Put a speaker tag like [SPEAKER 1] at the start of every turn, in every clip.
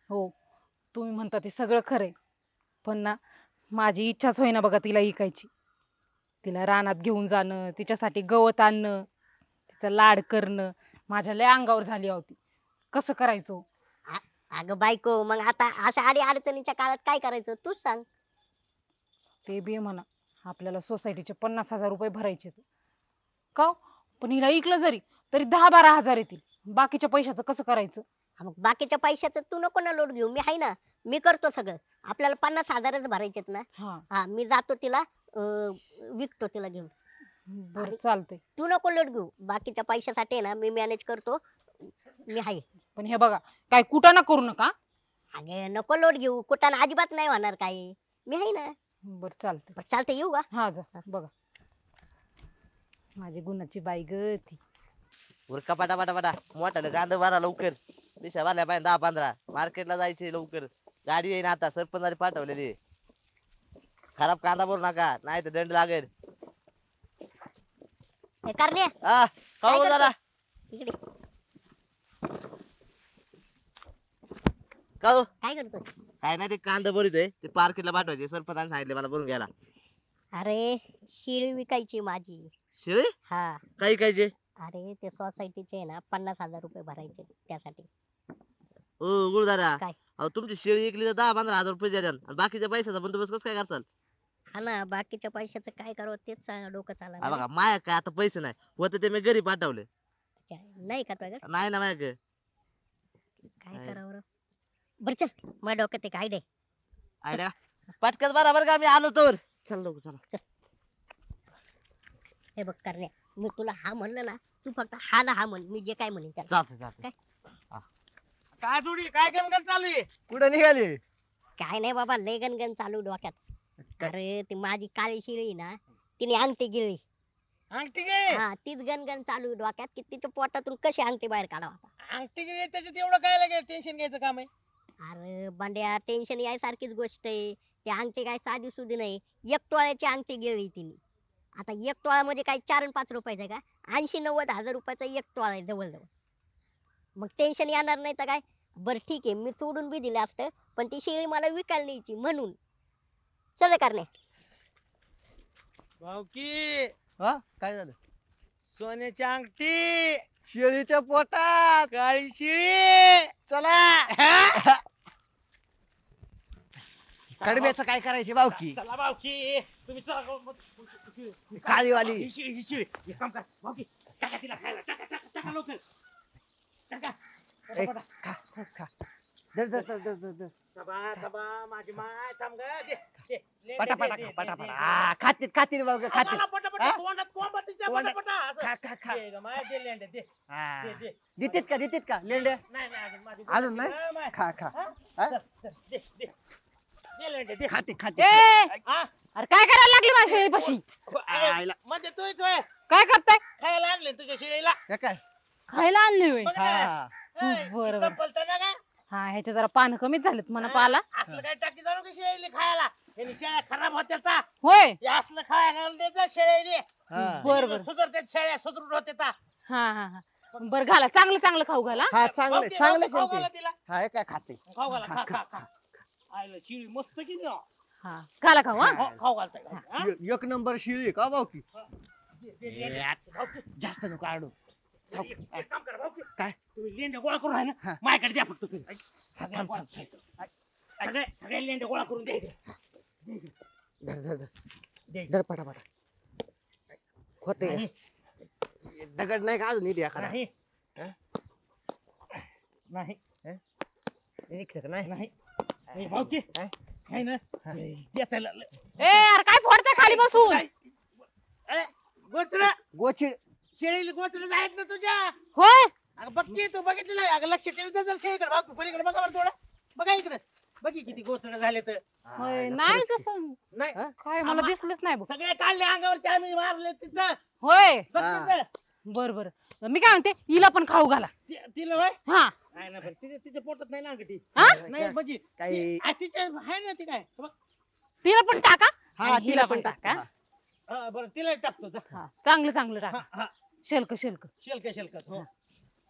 [SPEAKER 1] हो, तुम्ही म्हणता ते सगळं खरंय. पण ना माझी इच्छाच होईना बघा तिला इकायची. तिला रानात घेऊन जाणं, तिच्यासाठी गवत आणणं, तिचा लाड करणं माझ्या लय अंगावर झाली होती. कसं करायचं हो?
[SPEAKER 2] अगं बायको, मग आता अशा अडी अडचणीच्या काळात काय करायचं तूच सांग.
[SPEAKER 1] ते बी म्हणा. आपल्याला सोसायटीचे 50,000 रुपये भरायचे. का हो? पण हिला ऐकलं जरी तरी 10-12 हजार येतील. बाकीच्या पैशाचं कसं करायचं?
[SPEAKER 2] हा, मग बाकीच्या पैशाचं तू नको ना लोट घेऊ, मी आहे ना. मी करतो सगळं. आपल्याला 50,000च भरायचेत ना.
[SPEAKER 1] हा.
[SPEAKER 2] हा, मी जातो तिला विकतो तिला घेऊन.
[SPEAKER 1] बरं
[SPEAKER 2] आणि
[SPEAKER 1] चालतंय.
[SPEAKER 2] तू नको लोट घेऊ, बाकीच्या पैशासाठी आहे ना मी मॅनेज करतो. मी आहे.
[SPEAKER 1] पण हे बघा, काय कुठं ना करू नका.
[SPEAKER 2] अगे नको लोट घेऊ, कुठाने अजिबात नाही होणार काही. मी आहे ना.
[SPEAKER 1] बरं चालतंय.
[SPEAKER 2] बरं चालतंय, येऊ का?
[SPEAKER 1] हा जा बघा. माझी गुणाची बाई ग ती.
[SPEAKER 3] उरका पटा पटा पटा मोठाले कांदा भरा लवकर. पिशा भरल्या पाहिजे 10-15. मार्केटला जायचे लवकर. गाडी येईन आता सरपंचाने पाठवलेली आहे. खराब कांदा भरू नका नाही तर दंड लागेल.
[SPEAKER 2] हे करण्या,
[SPEAKER 3] हा
[SPEAKER 2] काय
[SPEAKER 3] खाऊ जरा
[SPEAKER 2] करतो? इकडे
[SPEAKER 3] खाऊ.
[SPEAKER 2] काय करतो?
[SPEAKER 3] काय नाही ते कांदा भरितोय ते मार्केटला पाठवायचे सरपंचाने सांगितले मला भरून घ्यायला.
[SPEAKER 2] अरे शिळी विकायची माझी.
[SPEAKER 3] शिळे
[SPEAKER 2] हा.
[SPEAKER 3] काही कायचे.
[SPEAKER 2] अरे ते सोसायटीचे आहे ना 50,000 रुपये भरायचे त्यासाठी.
[SPEAKER 3] ओ गुरुदारा
[SPEAKER 2] काय?
[SPEAKER 3] अहो तुमची शेळी विकली तर 10-15 हजार रुपये द्याल आणि बाकीच्या पैशाचा बंदोबस्त कसं काय करताल.
[SPEAKER 2] हा ना, बाकीच्या पैशाचं काय करावं तेच डोकं
[SPEAKER 3] हा
[SPEAKER 2] चालणार
[SPEAKER 3] बघा माया काय आता पैसे नाही होते ते मी घरी पाठवले.
[SPEAKER 2] नाही का तुझ्याकडे?
[SPEAKER 3] नाही ना माया काय.
[SPEAKER 2] काय
[SPEAKER 3] नाही.
[SPEAKER 2] करावं रे? बरं चल, माझ्या डोक्यात एक आयडिया.
[SPEAKER 3] आयडिया पटकन बराबर का मी आलो तर. चल लवकर चला.
[SPEAKER 2] हे बघ करण्या, मी तुला हा म्हणलं ना, तू फक्त हा ना हा म्हण, मी जे काय म्हणेन त्याला.
[SPEAKER 3] चालतंय चालतंय.
[SPEAKER 4] काय जोडी काय गणगण चालू आहे?
[SPEAKER 5] कुठं निघाली?
[SPEAKER 2] काय नाही बाबा, लय गणगण चालू डोक्यात. अरे ती माझी काळी शिळी आहे ना, तिने अंगठी गिळली.
[SPEAKER 4] अंगठी गे
[SPEAKER 2] हा, तीच गणगण चालू आहे डोक्यात की तिच्या पोटातून कशी अंगठी बाहेर काढावा आता.
[SPEAKER 4] अंगठी गे त्याच्यात एवढं काय लागेल टेन्शन घ्यायचं काम आहे?
[SPEAKER 2] अरे बंड्या, टेन्शन यायसारखीच गोष्ट आहे. ती अंगठी काय साधी सुधी नाही, 1 तोळ्याची अंगठी गिळली तिने. आता 1 तोळा म्हणजे काय 4 आणि 5 रुपयाचा का? 80-90 हजार रुपयाचा 1 तोळा आहे जवळ जवळ. मग टेन्शन येणार नाही तर काय. बर ठीक आहे, मी सोडून बी दिलं असतं, पण ती शेळी मला विकायला न्यायची म्हणून. चल करणे.
[SPEAKER 4] भाऊकी
[SPEAKER 5] हा काय झालं?
[SPEAKER 4] सोन्याची अंगठी
[SPEAKER 5] शेळीच्या पोटात.
[SPEAKER 4] काळी शिळी चला.
[SPEAKER 5] कडब्याचं काय करायचे बावकी?
[SPEAKER 4] चला भाऊकी तुम्ही चला.
[SPEAKER 5] काळीवाली.
[SPEAKER 4] ही शिळी ही शिळी एक काम कर भाऊकी, टाका तिला खायला, टाका टाका टाका लवकर टाका.
[SPEAKER 5] ए, खा, खा, खा. धर, धर, धर, धर, धर, धर.
[SPEAKER 4] थांबा थांबा माझी माय थांब ग. दे, दे, ले,
[SPEAKER 5] पटा
[SPEAKER 4] दे,
[SPEAKER 5] पटा
[SPEAKER 4] दे,
[SPEAKER 5] खा,
[SPEAKER 4] दे,
[SPEAKER 5] पटा
[SPEAKER 4] दे,
[SPEAKER 5] पटा.
[SPEAKER 4] दे.
[SPEAKER 5] खातील खातील बावकी खातील.
[SPEAKER 4] आम्हाला पटापटा
[SPEAKER 5] हा?
[SPEAKER 4] तोंडात कोंबा तिच्या
[SPEAKER 5] तोंडात.
[SPEAKER 4] पटापटा असं.
[SPEAKER 5] खा खा खा.
[SPEAKER 4] दे ग माय, दे लेंड्या, दे
[SPEAKER 5] हा.
[SPEAKER 4] दे, दे.
[SPEAKER 5] देतेत का लेंड्या?
[SPEAKER 4] नाही नाही अजून माझी
[SPEAKER 5] अजून नाही?
[SPEAKER 4] हा, माय.
[SPEAKER 5] खा खा.
[SPEAKER 4] हा?
[SPEAKER 5] हा?
[SPEAKER 4] चल, चल, दे दे दे लेंड्या, दे.
[SPEAKER 5] खाते खाते.
[SPEAKER 1] ए
[SPEAKER 4] हा?
[SPEAKER 1] अरे काय करायला लागली माझ्या शेळीपाशी?
[SPEAKER 5] आयला.
[SPEAKER 4] म्हणजे तूच होय
[SPEAKER 1] काय करताय?
[SPEAKER 4] खायला आणले तुझ्या शिळीला.
[SPEAKER 5] हे काय?
[SPEAKER 1] खायला आणली होय?
[SPEAKER 4] बघ ना.
[SPEAKER 5] हा.
[SPEAKER 4] ए,
[SPEAKER 1] बरं,
[SPEAKER 4] ती
[SPEAKER 1] बरं.
[SPEAKER 4] संपलतं ना का?
[SPEAKER 1] हा, ह्याच्या जरा पानं कमीच झालेत म्हणा पाला.
[SPEAKER 4] असलं काय टाकी जाणू की शेळीला खायला. यांनी शेळ्या खराब होत्या.
[SPEAKER 1] होय.
[SPEAKER 4] हे असलं खायला घालून देत जा शेळीले.
[SPEAKER 5] हा.
[SPEAKER 1] बरं बरं.
[SPEAKER 4] सुधरते शेळ्या सुधरून होते ता.
[SPEAKER 1] हा हा हा. बरं घाला, चांगलं चांगलं खाऊ घाला.
[SPEAKER 5] हा चांगले
[SPEAKER 4] भाऊकी,
[SPEAKER 5] चांगले
[SPEAKER 4] खाऊ घाला
[SPEAKER 5] शेळी.
[SPEAKER 4] तिला.
[SPEAKER 5] हा हे काय खाते?
[SPEAKER 4] खाऊ घाला, खा खा खा. आईला शिळी मस्त की नाही हो?
[SPEAKER 1] हा घाला खाऊ हा.
[SPEAKER 4] हो, खाऊ घालताय हा?
[SPEAKER 5] एक नंबर शिळी का बावकी?
[SPEAKER 4] दे, दे, दे. भाऊकी,
[SPEAKER 5] जास्त नको आडू.
[SPEAKER 4] एक काम करा भाऊकी.
[SPEAKER 5] काय?
[SPEAKER 4] तुम्ही लेंड्या गोळा करून आहे ना
[SPEAKER 5] हा.
[SPEAKER 4] माझ्याकडे द्या फक्त तुम्ही. सगळ्या गोळा करायचं. सगळ्या लेंड्या गोळा करून द्या.
[SPEAKER 5] धर धर धर.
[SPEAKER 4] दे.
[SPEAKER 5] धर पटा पटा. होते
[SPEAKER 4] नाही,
[SPEAKER 5] दगड नाही का अजून इथे एखादा?
[SPEAKER 4] नाही.
[SPEAKER 5] हा?
[SPEAKER 4] नाही
[SPEAKER 5] निघतं का नाही?
[SPEAKER 4] नाही नाही, भाऊकी
[SPEAKER 5] हा?
[SPEAKER 4] आहे ना
[SPEAKER 5] हा.
[SPEAKER 4] द्यायचं
[SPEAKER 1] ए यार काय फोडताय खाली बसून?
[SPEAKER 4] गोचड
[SPEAKER 5] गोचिड.
[SPEAKER 4] शेळीला गोचड आहेत ना तुझ्या.
[SPEAKER 1] होय.
[SPEAKER 4] अगं बघ की तू बघितलं नाही. अगं लक्ष ठेव जर शेळीकडे भाऊ तू पलीकडे बघा बरं थोडं. बघा इकडे. बघी किती गोचड झाले तर.
[SPEAKER 1] होय नाही तसं
[SPEAKER 4] नाही
[SPEAKER 1] काय मला दिसलंच नाही बघ.
[SPEAKER 4] सगळे काढले अंगावरचे आम्ही मारले तिथं.
[SPEAKER 1] होय.
[SPEAKER 4] बघ
[SPEAKER 5] हा.
[SPEAKER 4] तिथं.
[SPEAKER 1] बर बर. मी काय म्हणते हिला पण खाऊ घाला.
[SPEAKER 4] तिला होय
[SPEAKER 1] हा.
[SPEAKER 4] नाही ना पण तिच्या पोटात नाही ना अंगठी.
[SPEAKER 1] हा?
[SPEAKER 4] नाही म्हणजे
[SPEAKER 5] काही-
[SPEAKER 4] तिच्या आहे ना ती काय बघ.
[SPEAKER 1] तिला पण टाका.
[SPEAKER 5] हा
[SPEAKER 1] आणि हिला पण टाका.
[SPEAKER 5] हा.
[SPEAKER 4] बरं तिला टाकतो जा.
[SPEAKER 1] हा, चांगलं चांगलं टाका.
[SPEAKER 4] हा हा
[SPEAKER 1] शेल्क शेल्क.
[SPEAKER 4] शेलक शेलक हो.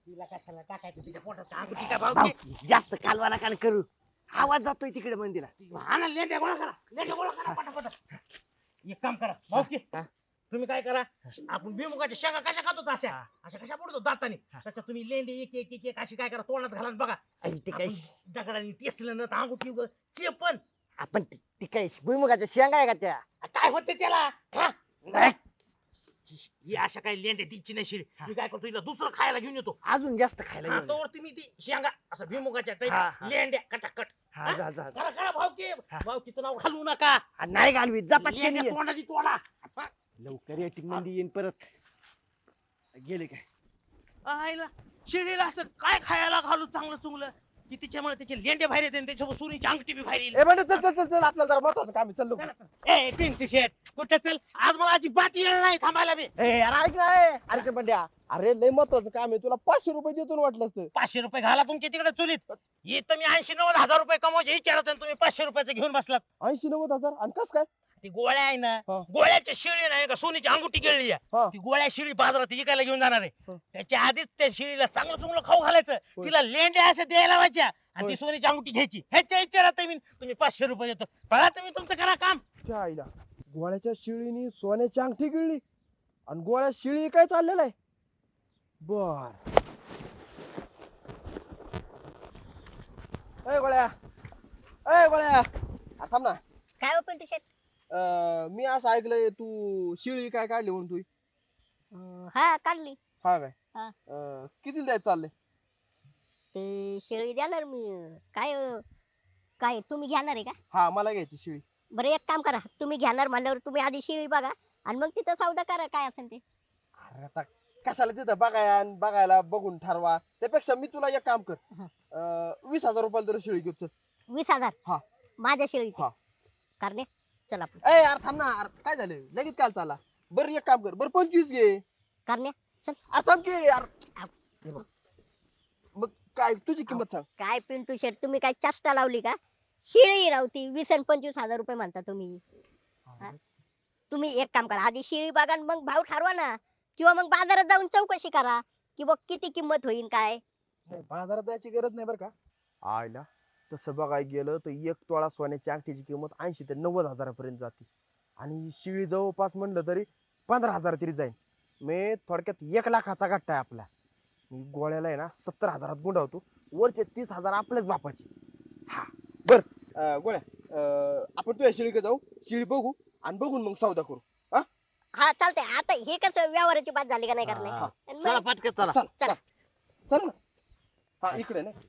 [SPEAKER 4] तिला कशाला टाकायचं तिच्या पोटात अंगठी का भाऊ
[SPEAKER 5] भाऊ जास्त कालवा नका करू आवाज जातोय तिकडे मंदिरात
[SPEAKER 4] हा ना लेंड्या गोळा करा लेंड्या गोळा करा पटापट एक काम करा भाऊ की
[SPEAKER 5] हा.
[SPEAKER 4] तुम्ही काय करा आपण भुईमुगाच्या शेंगा कशा खातो अशा अशा कशा पडतो दाताने तशा तुम्ही लेंडे एक एक एक एक अशी काय करा तोंडात घाला आणि बघा
[SPEAKER 5] आई, ते काय
[SPEAKER 4] आपण दगडाने टेचलं ना तर अंगठी उगाच चेपण
[SPEAKER 5] आपण ती काय भुईमुगाच्या शेंगा आहे का त्या
[SPEAKER 4] काय होते त्याला खा.
[SPEAKER 5] काय?
[SPEAKER 4] ही अशा काही लेंड्या तिची नाही शिरी मी काय करतो हिला दुसरं खायला घेऊन येतो
[SPEAKER 5] अजून जास्त खायला घेऊन ये.
[SPEAKER 4] तोवर तुम्ही ती शेंगा असं भुईमुगाच्या
[SPEAKER 5] हा,
[SPEAKER 4] टाईप
[SPEAKER 5] हा.
[SPEAKER 4] लेंड्या कटाकट
[SPEAKER 5] हा जा जा जा.
[SPEAKER 4] करा करा भाऊकी भाऊकीचं नाव घालवू नका
[SPEAKER 5] आ, नाही घालवी जा पटकन
[SPEAKER 4] लेंड्या
[SPEAKER 5] ये.
[SPEAKER 4] तोंडाची तोडा
[SPEAKER 5] लवकर येतील मंदी येईन परत गेले काय
[SPEAKER 4] आईला शिडीला असं काय खायला घालू चांगलं चुंगलं की तिच्यामुळे त्याचे लेंडे बाहेर येते आणि त्याच्यासोबत सुरीची अंगठी बी बाहेर येईल
[SPEAKER 5] ए बंड चल चल चल चल आपल्याला जरा महत्वाचं काम आहे चल लवकर
[SPEAKER 4] ए पिंटू शेट कुठे चल आज मला अजिबात येणार नाही थांबायला बी
[SPEAKER 5] ए अरे ऐक ना ए. अरे ते बंड्या अरे लय महत्वाचं काम आहे तुला 500 रुपये देतो ना वाटलं असतं
[SPEAKER 4] 500 रुपये घाला तुमच्या तिकडे चुलीत इथं मी 80-90 हजार रुपये कमवायचे विचारत आणि तुम्ही 500 रुपयाचं घेऊन बसलात
[SPEAKER 5] 80-90 आणि कस काय
[SPEAKER 4] ती गोळ्या आहे ना
[SPEAKER 5] हा.
[SPEAKER 4] गोळ्याच्या शिळी नाही का सोनीची अंगुठी गिळली आहे
[SPEAKER 5] हा.
[SPEAKER 4] ती गोळ्या शिळी बाजारात विकायला घेऊन जाणार आहे
[SPEAKER 5] हा.
[SPEAKER 4] त्याच्या आधीच त्या शिळीला चांगलं चुंगलं खाऊ घालायचं
[SPEAKER 5] होय.
[SPEAKER 4] तिला लेंड्या अशा द्यायला लावायच्या आणि
[SPEAKER 5] होय.
[SPEAKER 4] ती सोनीची अंगुठी घ्यायची ह्याच्या विचारात मी तुम्ही 500 रुपये देतो पळा तुम्ही तुमचं करा काम
[SPEAKER 5] त्या आईला गोळ्याच्या शिळीनी सोन्याची अंगठी गिळली आणि गोळ्या शिळी काय चाललेलं आहे बर ए गोळ्या ए गोळ्या आ, थांब ना
[SPEAKER 2] काय हो पिंटू शेट
[SPEAKER 5] मी असं ऐकलंय तू शिळी काय काढली म्हणून तू
[SPEAKER 2] हा काढली
[SPEAKER 5] हा काय
[SPEAKER 2] हा.
[SPEAKER 5] किती द्यायचं चाललंय
[SPEAKER 2] ते शेळी देणार मी काय काय तुम्ही घेणार आहे का
[SPEAKER 5] हा मला घ्यायची शिळी
[SPEAKER 2] बरं एक काम करा तुम्ही घेणार म्हणल्यावर तुम्ही आधी शेळी बघा आणि मग तिथं सौदा करा काय असेल ते
[SPEAKER 5] अरे आता कशाला तिथं बघायला बघून ठरवा त्यापेक्षा मी तुला एक काम कर
[SPEAKER 2] हा.
[SPEAKER 5] 20,000 रुपयाला तर शिळी घेऊ चल
[SPEAKER 2] 20,000
[SPEAKER 5] हा.
[SPEAKER 2] माझ्या शेळीचे
[SPEAKER 5] हा.
[SPEAKER 2] करणे चल आपण
[SPEAKER 5] ए यार थांब ना अरे काय झालं लगेच काल चाला बरं एक काम कर बरं 25 घे
[SPEAKER 2] करणे चल
[SPEAKER 5] अरे थांब की यार हे बघ. मग काय तुझी किंमत सांग
[SPEAKER 2] काय पिंटू शेट तुम्ही काय चेष्टा लावली का शेळी रावती 20 आणि 25,000 रुपये म्हणता तुम्ही हा? तुम्ही एक काम करा आधी शेळी बघा आणि मग भाव ठरवा ना किंवा मग बाजारात जाऊन चौकशी करा की बघ किती किंमत होईल काय
[SPEAKER 5] नाही, बाजारात जायची गरज नाही बरं का आयला तसं बघायला गेलं तर एक तोळा सोन्याची अंगठीची किंमत 80 ते 90 हजारापर्यंत जाते आणि शिळी जवळपास म्हणलं तरी 15,000 तरी जाईल मी थोडक्यात 1 लाखाचा गट्टा आहे आपला मी गोळ्याला आहे ना 70,000 गुंडावतो वरचे 30,000 आपल्याच बापाचे हा बर गोळ्या आपण तुझ्या शिळीकडे जाऊ शिळी बघू आणि बघून मग सौदा करू
[SPEAKER 2] हा चालतंय आता हे कसं व्यवहाराची बात झाली का नाही करणे
[SPEAKER 5] हा.
[SPEAKER 2] आणि
[SPEAKER 3] चला
[SPEAKER 2] मग-
[SPEAKER 3] पटकन चला
[SPEAKER 5] चल
[SPEAKER 2] चला.
[SPEAKER 5] चल ना हा इकडे ना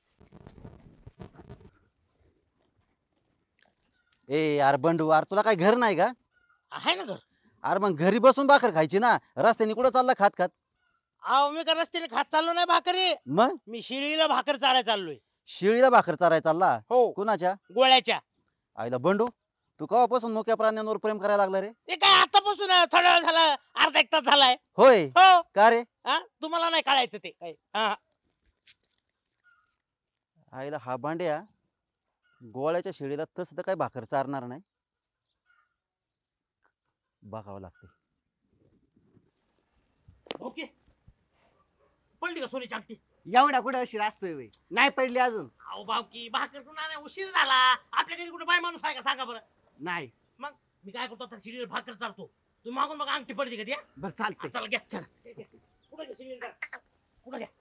[SPEAKER 6] ए यार बंडू यार तुला काय घर नाही का
[SPEAKER 4] आहे ना घर
[SPEAKER 6] अरे मग घरी बसून भाकर खायची ना रस्त्याने कुठं चालला खात खात
[SPEAKER 4] अहो मी का रस्त्याने खात चाललो नाही भाकरी
[SPEAKER 6] मग
[SPEAKER 4] मी शिळीला भाकर चालायला चाललोय
[SPEAKER 6] शिळीला भाकर चाराय चालला
[SPEAKER 4] हो
[SPEAKER 6] कुणाच्या
[SPEAKER 4] गोळ्याच्या
[SPEAKER 6] आईला बंडू तू केव्हापासून मोक्या प्राण्यांवर प्रेम करायला लागला रे
[SPEAKER 4] ते काय आतापासून आहे, थोडा वेळ झाला अर्धा एक तास झालाय
[SPEAKER 6] होय
[SPEAKER 4] हो
[SPEAKER 6] का रे
[SPEAKER 4] हा तुम्हाला नाही कळायचं ते काय हा
[SPEAKER 6] आईला हा बांड्या गोळ्याच्या शेळीला तसं तर काय भाकर चारणार नाही बघावं लागते
[SPEAKER 4] ओके पडली का सोनीची अंगठी
[SPEAKER 5] एवढा कुठे अशी असतोय व्हय? नाही पडली अजून
[SPEAKER 4] अहो भावकी भाकर कुणा नाही उशीर झाला आपल्या घरी कुठे बाय माणूस आहे का सांगा बरं
[SPEAKER 5] नाही
[SPEAKER 4] मी काय करतो आता शिडीवर भाकर चालतो तुम्ही मागून बघा अंगठी पडली का ती, हा?
[SPEAKER 5] बर चालतंय
[SPEAKER 4] चला घ्या चला कुठे घ्या शिडीवर घ्या. कुठं घ्या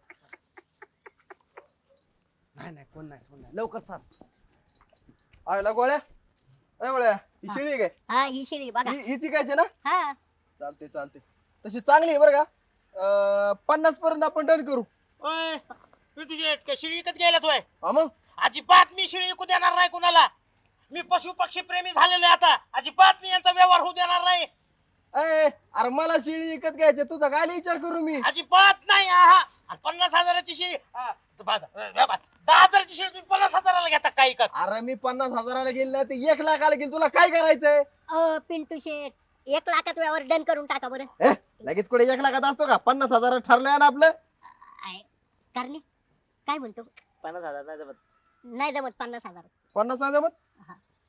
[SPEAKER 5] नाही कोण नाही लवकर चाल आयला गोळ्या ए गोळ्या ही
[SPEAKER 2] हा.
[SPEAKER 5] शिळी आहे काय
[SPEAKER 2] हा ही शेळी बघा
[SPEAKER 5] ही विकायची ना
[SPEAKER 2] हा
[SPEAKER 5] चालते तशी चांगली आहे बरं का 50 पर्यंत आपण डन करू
[SPEAKER 4] ओय मी तुझी शिळी विकत घ्यायला तोय
[SPEAKER 5] हा मग
[SPEAKER 4] अजिबात मी शिळी विकू देणार नाही कुणाला मी पशु पक्षी प्रेमी झालेलो आहे आता अजिबात मी यांचा व्यवहार होऊ देणार नाही
[SPEAKER 5] ए अरे मला शिळी विकत घ्यायची तुझा काय विचार करू मी
[SPEAKER 4] अजिबात नाही आहा आणि 50,000ची शिळी 10,000ची शिळी तुम्ही 50,000ला घेता काय विकत
[SPEAKER 5] अरे मी 50,000ला गेली ना ते 1 लाखाला गेली तुला काय करायचंय
[SPEAKER 2] पिंटू शेट 1 लाखात व्यवहार डन करून टाका बरं
[SPEAKER 5] लगेच कुठे 1 लाखात असतो का 50,000 ठरलंय ना आपलं
[SPEAKER 2] करणे काय म्हणतो
[SPEAKER 3] 50,000 नाही जमत
[SPEAKER 2] नाही जमत 50,000
[SPEAKER 5] 50 नाही जमत
[SPEAKER 2] हा.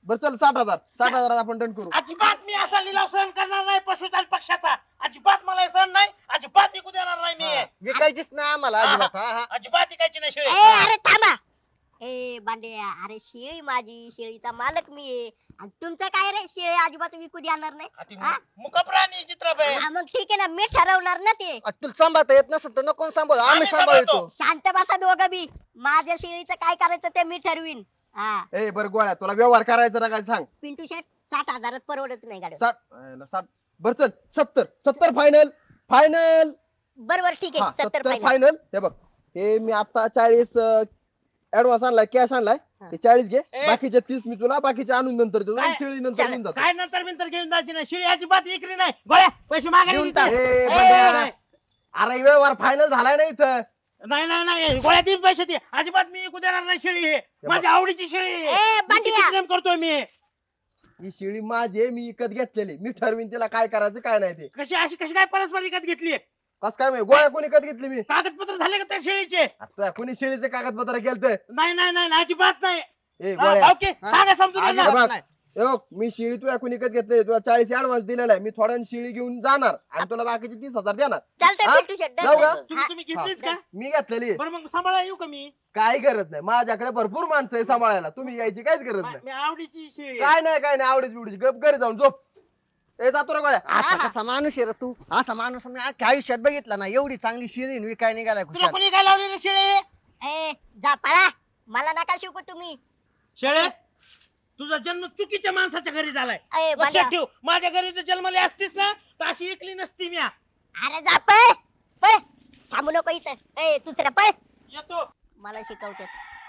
[SPEAKER 5] बरं चल 60,000 आपण डन करू.
[SPEAKER 4] अजिबात मी असा लिलाव सहन करणार नाही पशुधन पक्षाचा. अजिबात मला हे सहन नाही. अजिबात ऐकू देणार नाही मी.
[SPEAKER 7] विकायचीच नाही आम्हाला अजिबात हा, हा.
[SPEAKER 4] अजिबात ऐकायची नाही शेळी.
[SPEAKER 2] अरे थांबा. बांड्या अरे शेळी माझी, शेळीचा मालक मी आहे. आणि तुमचं काय रे, शेळी अजिबात विकू देणार नाही.
[SPEAKER 4] अति
[SPEAKER 2] हा?
[SPEAKER 4] मुकप्राणी चित्रपट.
[SPEAKER 2] हा, मग ठीक आहे ना, मी ठरवणार ना ते.
[SPEAKER 7] तुला सांभाळता येत नसेल तर नको सांभाळ आम्ही
[SPEAKER 4] आम्ही
[SPEAKER 7] सांभाळतो.
[SPEAKER 2] शांत बसा दोघं बी. माझ्या शेळीचं काय करायचं ते मी ठरवीन. हा
[SPEAKER 5] ए बरं गोळ्या तुला व्यवहार करायचा ना काय सांग.
[SPEAKER 2] पिंटू शेट 60,000 परवडत नाही गाडी.
[SPEAKER 5] 60 बरं चल 70 फायनल.
[SPEAKER 2] बरोबर ठीक आहे 70 फायनल.
[SPEAKER 5] फायनल. हे बघ हे मी आता 40 ऍडव्हान्स आणलाय, कॅश आणलाय.
[SPEAKER 2] हा.
[SPEAKER 5] ते 40 घे,
[SPEAKER 4] ए.
[SPEAKER 5] बाकीचे 30 मी तुला बाकीचे आणून नंतर देतो.
[SPEAKER 4] काय?
[SPEAKER 5] शेळी नंतर घेऊन जातो.
[SPEAKER 4] काय नंतर बिंतर घेऊन जायची नाही. शेळी अजिबात विकली नाही. गोळ्या पैसे मागायला
[SPEAKER 7] घेऊन
[SPEAKER 4] देते.
[SPEAKER 7] टाक.
[SPEAKER 5] ए,
[SPEAKER 4] ए,
[SPEAKER 5] बंड्या.
[SPEAKER 4] नाही.
[SPEAKER 5] अरे व्यवहार फायनल झालाय ना इथं.
[SPEAKER 4] नाही गोळ्या तीन पैसे दे. अजिबात मी विकू देणार नाही शेळी. हे माझ्या आवडीची शेळी आहे.
[SPEAKER 2] ए,
[SPEAKER 4] मी किती
[SPEAKER 2] बांड्या.
[SPEAKER 4] प्रेम करतोय मी.
[SPEAKER 5] ही शेळी माझी आहे, मी विकत घेतलेली. मी ठरवीन तिला काय करायचं काय नाही ते.
[SPEAKER 4] कशी काय परस्पर विकत घेतली.
[SPEAKER 5] कस काय माहिती गोळ्या कोणी विकत घेतली मी.
[SPEAKER 4] कागदपत्र झाले का त्या शेळीचे.
[SPEAKER 5] आता कोणी शेळीचे कागदपत्र केलत.
[SPEAKER 4] नाही अजिबात नाही.
[SPEAKER 5] ए
[SPEAKER 4] हा,
[SPEAKER 5] गोळ्या
[SPEAKER 4] भाऊकी, सांगा समजून
[SPEAKER 7] अजिबात
[SPEAKER 4] त्यांना.
[SPEAKER 5] बघ.
[SPEAKER 7] नाही.
[SPEAKER 5] ए बघ, मी शेळी तुला कोणी विकत घेतली, तुला 40 ऍडव्हान्स दिलेला आहे. मी थोड्या शेळी घेऊन जाणार आणि तुला बाकीचे 30,000 देणार.
[SPEAKER 2] चालतंय
[SPEAKER 5] हा?
[SPEAKER 2] पिंटू शेट
[SPEAKER 5] जाऊ का?
[SPEAKER 4] तुम्ही घेतलीच का.
[SPEAKER 5] मी घेतलेली आहे.
[SPEAKER 4] बरं मग सांभाळा येऊ का मी.
[SPEAKER 5] काही गरज नाही, माझ्याकडे भरपूर माणसं आहे सांभाळायला. तुम्ही यायची काहीच गरज नाही.
[SPEAKER 4] मी आवडीची शेळी आहे.
[SPEAKER 5] काय नाही आवडीच बिवडीची गप घरी जाऊन झोप. ए जातो रे गोळ्या.
[SPEAKER 7] असा कसा माणूस आहे रे तू. असा माणूस मी अख्ख्या आयुष्यात बघितला ना. एवढी चांगली शिरीन विकाय निघालाय
[SPEAKER 4] तुला
[SPEAKER 7] खुशाल.
[SPEAKER 4] कोणी काय लावलेली शेळी.
[SPEAKER 2] ए जा पळा. मला नका शिकू तुम्ही.
[SPEAKER 4] शेळे तुझा जन्म चुकीच्या माणसाच्या घरी झालाय.
[SPEAKER 2] ए बांड्या.
[SPEAKER 4] लक्षात ठेव. माझ्या घरी जर जन्मली असतीस ना तर अशी ऐकली नसती मी.
[SPEAKER 2] अरे जा पळ पळ. थांबू नको इथं. ए दुसरा पळ.
[SPEAKER 4] येतो.
[SPEAKER 2] मला शिकवते.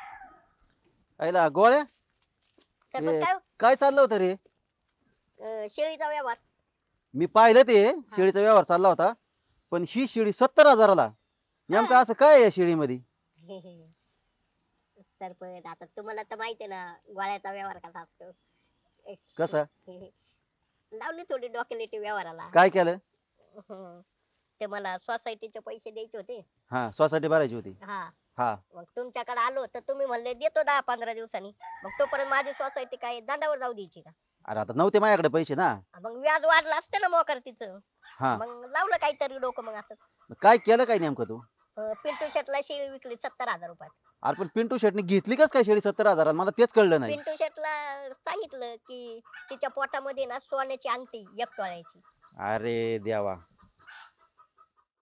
[SPEAKER 6] आईला गोळ्या
[SPEAKER 2] तर
[SPEAKER 6] ए,
[SPEAKER 2] मग काय
[SPEAKER 6] काय चाललं होतं रे.
[SPEAKER 2] शेळीचा व्यवहार.
[SPEAKER 6] मी पाहिलं ते शेळीचा व्यवहार चालला होता, पण ही शेळी 70,000ला. नेमकं असं काय आहे या शेळीमध्ये.
[SPEAKER 2] सरपंच आता तुम्हाला तर माहिती आहे ना गोळ्याचा व्यवहार कसा असतो.
[SPEAKER 6] कसा
[SPEAKER 2] लावली थोडी डॉक्युमेंट व्यवहाराला.
[SPEAKER 6] काय केलं.
[SPEAKER 2] ते मला सोसायटीचे पैसे द्यायचे होते.
[SPEAKER 6] हा सोसायटी भरायची होती.
[SPEAKER 2] हा
[SPEAKER 6] हा
[SPEAKER 2] मग तुमच्याकडे आलो तर तुम्ही म्हणले देतो 10-15 दिवसांनी. मग तोपर्यंत माझी सोसायटी काय दंडावर जाऊ द्यायची का.
[SPEAKER 6] अरे आता नव्हते माझ्याकडे पैसे ना.
[SPEAKER 2] मग व्याज वाढलं असतं ना मोकर तिचं.
[SPEAKER 6] हा
[SPEAKER 2] मग लावलं काहीतरी डोकं मग असं.
[SPEAKER 6] मग काय केलं काय नेमकं तू.
[SPEAKER 2] पिंटू शेटला शेळी विकली 70,000 रुपयात.
[SPEAKER 6] अरे पण पिंटू शेटने घेतली कस काय शेळी 70,000 मला तेच कळलं नाही.
[SPEAKER 2] पिंटू शेटला सांगितलं की तिच्या पोटामध्ये ना सोन्याची अंगठी 1 तोळ्याची.
[SPEAKER 6] अरे देवा